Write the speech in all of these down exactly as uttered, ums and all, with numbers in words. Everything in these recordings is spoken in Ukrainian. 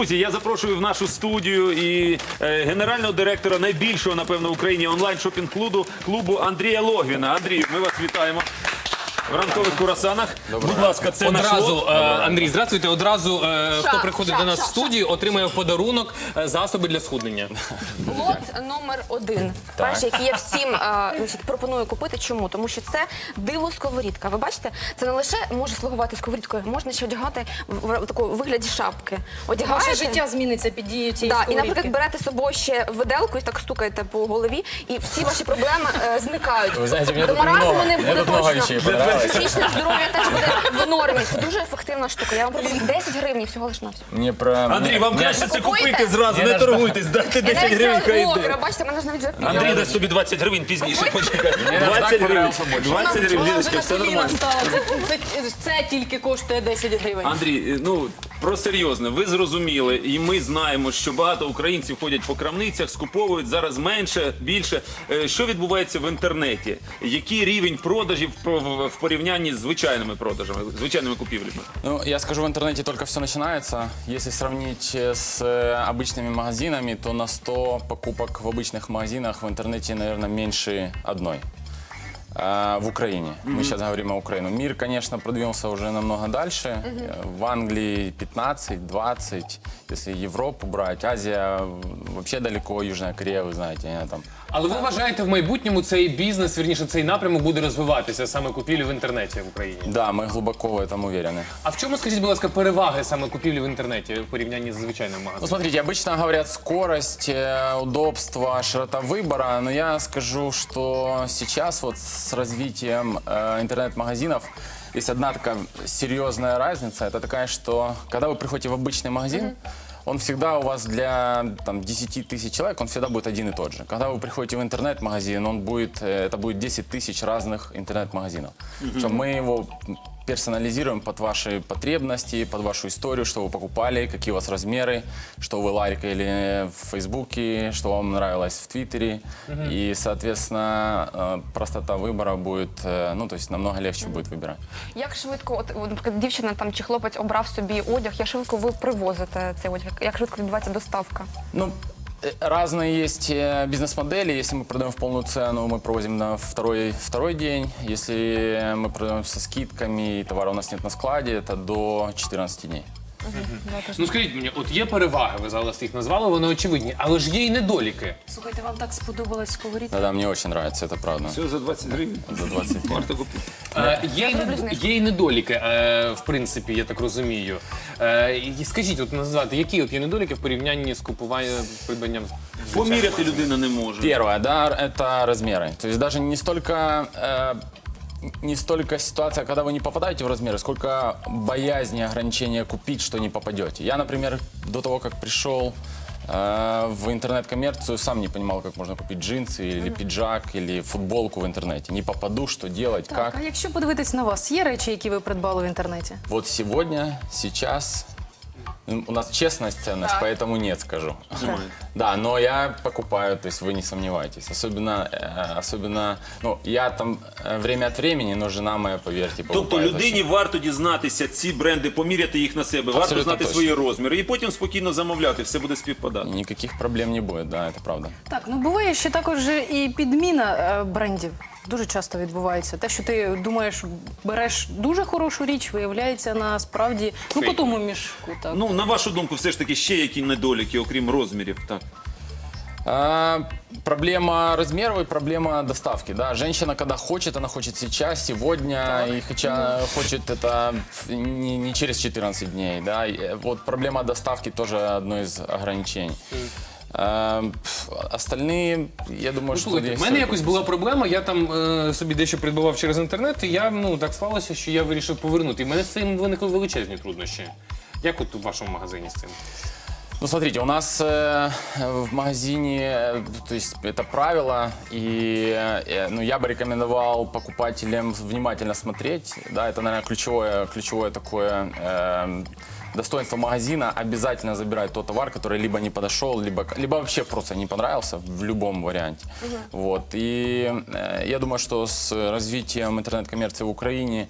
Друзі, я запрошую в нашу студію і е, генерального директора найбільшого, напевно, в Україні онлайн-шопінг-клубу клубу Андрія Логвіна. Андрій, ми вас вітаємо. В ранкових курасанах. Будь ласка, це наш Одразу, лот. е, Андрій, здравствуйте. Одразу, е, Ша, хто приходить ша, до нас ша, в студію, отримає в подарунок е, засоби для схуднення. Лот номер один. Перший, який я всім е, значить, пропоную купити. Чому? Тому що це диво-сковорідка. Ви бачите, це не лише може слугувати сковорідкою, можна ще одягати в, в такому вигляді шапки. Одягаєте, Ваше життя зміниться під дією цієї да, і, сковорідки. наприклад, берете з собою ще виделку і так стукаєте по голові, і всі ваші проблеми е, зникають. Вы знаете, мне До тут маразму много, не мне буде тут много точно. вещей понравилось. Психічне здоров'я теж буде в нормі. Це дуже ефективна штука. Я вам пропоную десять гривень всього лиш на все. Мне про... Андрій, вам мне- краще це купуєте? купити зразу, Ні, не на торгуйтесь, дайте Я десять навіть гривень, це хай блогера, йде. бачите, мене ж навіть вже Андрій дасть собі двадцять гривень пізніше, почекай. Мне даже двадцять так гривень, понравился больше. двадцять гривень, Вона вже Ліночка, на все коліна нормально. стала. Це, це, це тільки коштує десять гривень. Андрій, ну про серйозне, ви зрозуміли, і ми знаємо, що багато українців ходять по крамницях, скуповують зараз менше, більше. Е, Що відбувається в інтернеті? Який рівень продажів про- в в порівнянні з звичайними продажами, звичайними купівлями? Ну, я скажу, в интернете только все начинается. Если сравнить с э, обычными магазинами, то на сто покупок в обычных магазинах в интернете, наверное, меньше одной. А, в Украине. Мы сейчас говорим о Украине. Мир, конечно, продвинулся уже намного дальше. Э, В Англии пятнадцать-двадцать. Если Европу брать, Азия вообще далеко, Южная Корея, вы знаете, они там. Але ви вважаєте, в майбутньому цей бізнес, вірніше, цей напрямок буде розвиватися, саме купівлі в інтернеті в Україні? Да, мы глубоко в этом уверены. А в чому, скажіть, будь ласка, переваги саме купівлі в інтернеті в порівнянні з звичайним Ну, магазином? смотрите, обычно говорят скорость, э, удобство, широта выбора, но я скажу, что сейчас вот с развитием э, интернет-магазинов есть одна такая серьезная разница. Это такая, что когда вы приходите в обычный магазин, он всегда у вас для там, десять тысяч человек, он всегда будет один и тот же. Когда вы приходите в интернет-магазин, он будет, э, это будет десять тысяч разных интернет-магазинов. Причем мы его персонализируем под ваши потребности, под вашу историю, что вы покупали, какие у вас размеры, что вы лайкали в Фейсбуке, что вам нравилось в Твиттере. И, соответственно, э, простота выбора будет, э, ну, то есть намного легче будет выбирать. Як швидко, от, от, наприклад, дівчина там чи хлопець обрав собі одяг, як швидко ви привозите цей одяг? Як швидко відбувається доставка? Ну, э, разные есть э, бизнес-модели. Если мы продаем в полную цену, мы провозим на второй, второй день. Если мы продаем со скидками и товара у нас нет на складе, это до четырнадцати дней. Ну скажіть мені, от є переваги, ви зараз їх назвали, вони очевидні, але ж є й недоліки. Слухайте, вам так сподобалась сковорідка? Да-да, мне очень нравится, это правда. Все за двадцять гривень. За двадцать. Варто купити. Е, є, й зроблю нед- знижку. є й недоліки, е, в принципі, я так розумію. Е, і скажіть, от назвати, які от є недоліки в порівнянні з купуванням, придбанням звичайного Поміряти магазину? людина не може. Первое, да, это размеры. То есть даже не столько, э, не столько ситуация, когда вы не попадаете в размеры, сколько боязни ограничения купить, что не попадете. Я, например, до того, как пришел э, в интернет-коммерцию, сам не понимал, как можно купить джинсы или пиджак, или футболку в интернете. Не попаду, что делать, Так, как. а якщо подивитись на вас, є речі, які ви придбали в інтернеті? Вот сегодня, сейчас... м, У нас честность, ценность, поэтому нет, скажу. Немає. Да, но я покупаю, то есть вы не сомневайтесь. Особенно, э, особенно, ну, я там э, время от времени, но жена моя, поверьте, покупает. Тобто людині очень. варто дізнатися ці бренди, поміряти їх на себе, варто Абсолютно знати точно. свої розміри і потім спокійно замовляти, все буде співпадати. Никаких проблем не будет, да, это правда. Так, ну буває ще також і підміна е, брендів. Дуже часто відбувається. Те, що ти думаєш, береш дуже хорошу річ, виявляється насправді ну по тому мішку. Так. Ну, на вашу думку, все ж таки ще які недоліки, окрім розмірів, так? А, проблема размеров и проблема доставки, да. Женщина, когда хочет, она хочет сейчас, сегодня, и хотя хочет это не, не через четырнадцать дней, да. И, э, вот проблема доставки тоже одно из ограничений. А, пф, остальные, я думаю, Ну, что слухайте, здесь в мене всё якось була проблема, я там е, собі дещо придбавав через інтернет, і я, ну, так склалося, що я вирішив повернути. І в мене з цим виникли величезні труднощі. Як от у вашому магазині з цим? Ну, смотрите, у нас э, в магазине, э, то есть это правило, и э, ну, я бы рекомендовал покупателям внимательно смотреть, да, это, наверное, ключевое, ключевое такое э, достоинство магазина, обязательно забирать тот товар, который либо не подошел, либо, либо вообще просто не понравился в любом варианте. Вот, и э, я думаю, что с развитием интернет-коммерции в Украине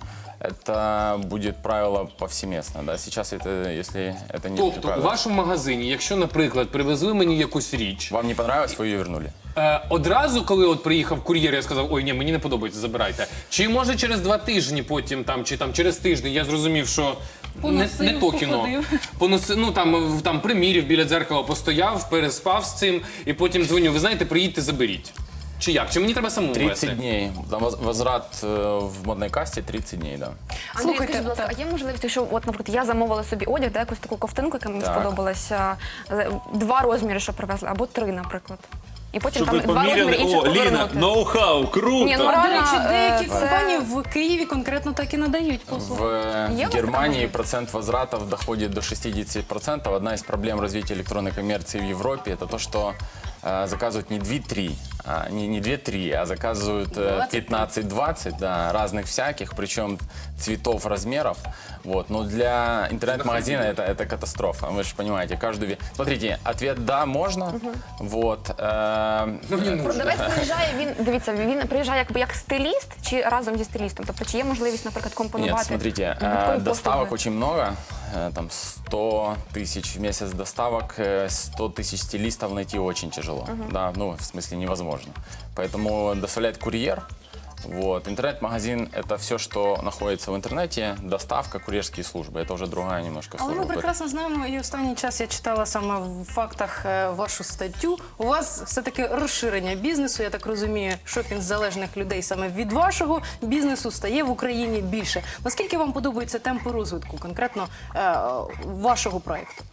это будет правило повсеместно. Да? Сейчас это, если это не Тобто, у правило. вашому магазині, якщо, наприклад, привезли мені якусь річ, Вам не понравилось, вы ее вернули. е, одразу, коли от приїхав кур'єр, я сказав, ой, ні, мені не подобається, забирайте. Чи може через два тижні потім, там, чи там через тиждень я зрозумів, що не, Поносив, не то кіно. походив. Поносив, ну там, в- там примірів біля дзеркала постояв, переспав з цим, і потім дзвоню, ви знаєте, приїдьте, заберіть. Чи як? Чи мені треба самому вести? тридцать дней. Там воз- возврат э, в модной касте тридцать дней, да. Андрій, Слухайте, скажіть, будь ласка, так. а є можливість, що, от, наприклад, я замовила собі одяг, да, якусь таку ковтинку, яка мені Так. сподобалася, е, два розміри, що привезли, або три, наприклад. І потім Щоб ви там два розміри поміряли, інших о, Ліна, повернути. ноу-хау, круто! Ні, ну, До реально, речі, деякі е, компанії це- в Києві конкретно так і надають послуги. В э, Є у вас Германии така процент возвратов доходит до шестьдесят процентов. Одна из проблем развития электронной коммерции в Европе – это то, что э, заказывают не две-три, а, не, не две-три, а заказывают э, пятнадцать-двадцать, да, разных всяких, причем цветов, размеров. Вот. Но для интернет-магазина это, это катастрофа. Вы же понимаете, каждую... ве- Смотрите, ответ «да» можно. Вот. э, Продавець приїжджає, він, дивіться, він приїжджає якби як стиліст чи разом зі стилістом? Тобто чи є можливість, наприклад, компонувати? Нет, смотрите, э, додаткові доставок послуги? очень много, э, там сто тысяч в месяц доставок, э, сто тысяч стилистов найти очень тяжело, да, ну, в смысле невозможно. Поэтому доставляет курьер, вот. Интернет-магазин – это все, что находится в интернете, доставка, курьерские службы, это уже другая немножко Але служба. ми прекрасно знаємо, і останній час я читала саме в фактах е, вашу статтю. У вас все-таки розширення бізнесу, я так розумію, шопінг залежних людей саме від вашого бізнесу стає в Україні більше. Наскільки вам подобаються темпи розвитку конкретно е, вашого проєкту?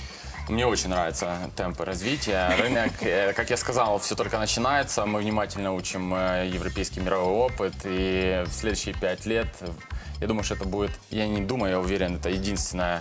Мне очень нравятся темпы развития. Рынок, э, как я сказал, все только начинается. Мы внимательно учим э, европейский мировой опыт. И в следующие пять лет, э, я думаю, что это будет, я не думаю, я уверен, это единственная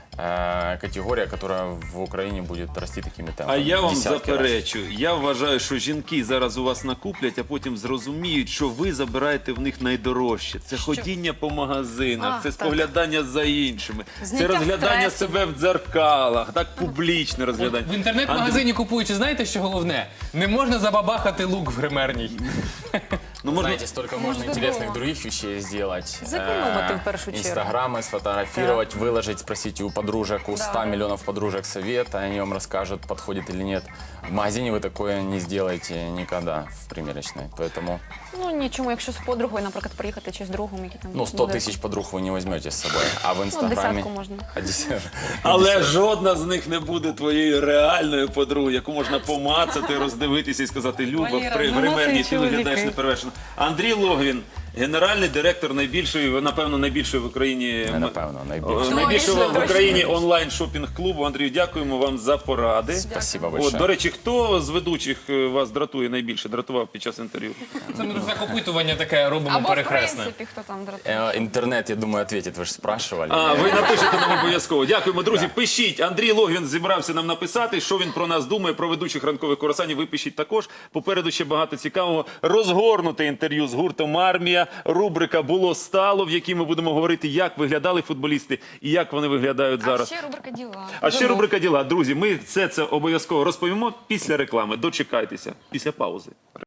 э, категория, которая в Україні буде рости такими темпами. А я вам Десятки раз. заперечу. Я вважаю, що жінки зараз у вас накуплять, а потім зрозуміють, що ви забираєте в них найдорожче. Це ходіння по магазинах, А, це так. споглядання за іншими, це Зняття розглядання стресу. себе в дзеркалах, так публічне розглядання. В інтернет-магазині купуючи, знаєте, що головне? Не можна забабахати лук в гримерній. Ну, можна... Знаете, столько можно интересных других вещей сделать. Сэкономить Э, в первую очередь. Инстаграмы сфотографировать, выложить, спросите у подружек, у ста миллионов подружек совета, они вам расскажут, подходит или нет. В магазине вы такое не сделаете никогда в примерочной. Поэтому, Ну нічому, якщо з подругою, наприклад, приїхати чи з другом, які там ну, сто буде. тысяч подруг вы не возьмете с собой. А в Инстаграме... десятку можно. А, десят- Але жодна з них не буде твоєю реальною подругою, яку можна помацати, роздивитися і сказати, Люба, Валера, в при- в ну, гримерній це ти виглядаєш чоловіки. неперевершено. Андрій Логвін, генеральний директор найбільшої, напевно, найбільшої в Україні Не напевно, О, найбільше. найбільшого Точно, в Україні онлайн-шопінг-клубу. Андрію, дякуємо вам за поради. Спасибо От, большое. до речі, хто з ведучих е, вас дратує найбільше, дратував під час інтерв'ю? Це ми так опитування таке робимо Або в перехресне. принципі, хто там дратує. Э, Интернет, я думаю, ответит, вы же спрашивали. А, ви напишете нам обов'язково. Дякуємо, друзі. Пишіть. Андрій Логвін зібрався нам написати, що він про нас думає, про ведучих ранкових курасанів. Ви пишіть також. Попереду ще багато цікавого. Розгорнуте інтерв'ю з гуртом «Армія». Рубрика «Було стало», в якій ми будемо говорити, як виглядали футболісти і як вони виглядають А зараз. ще рубрика «Діла». А ще рубрика «Діла». Друзі, ми все це обов'язково розповімо після реклами. Дочекайтеся, після паузи.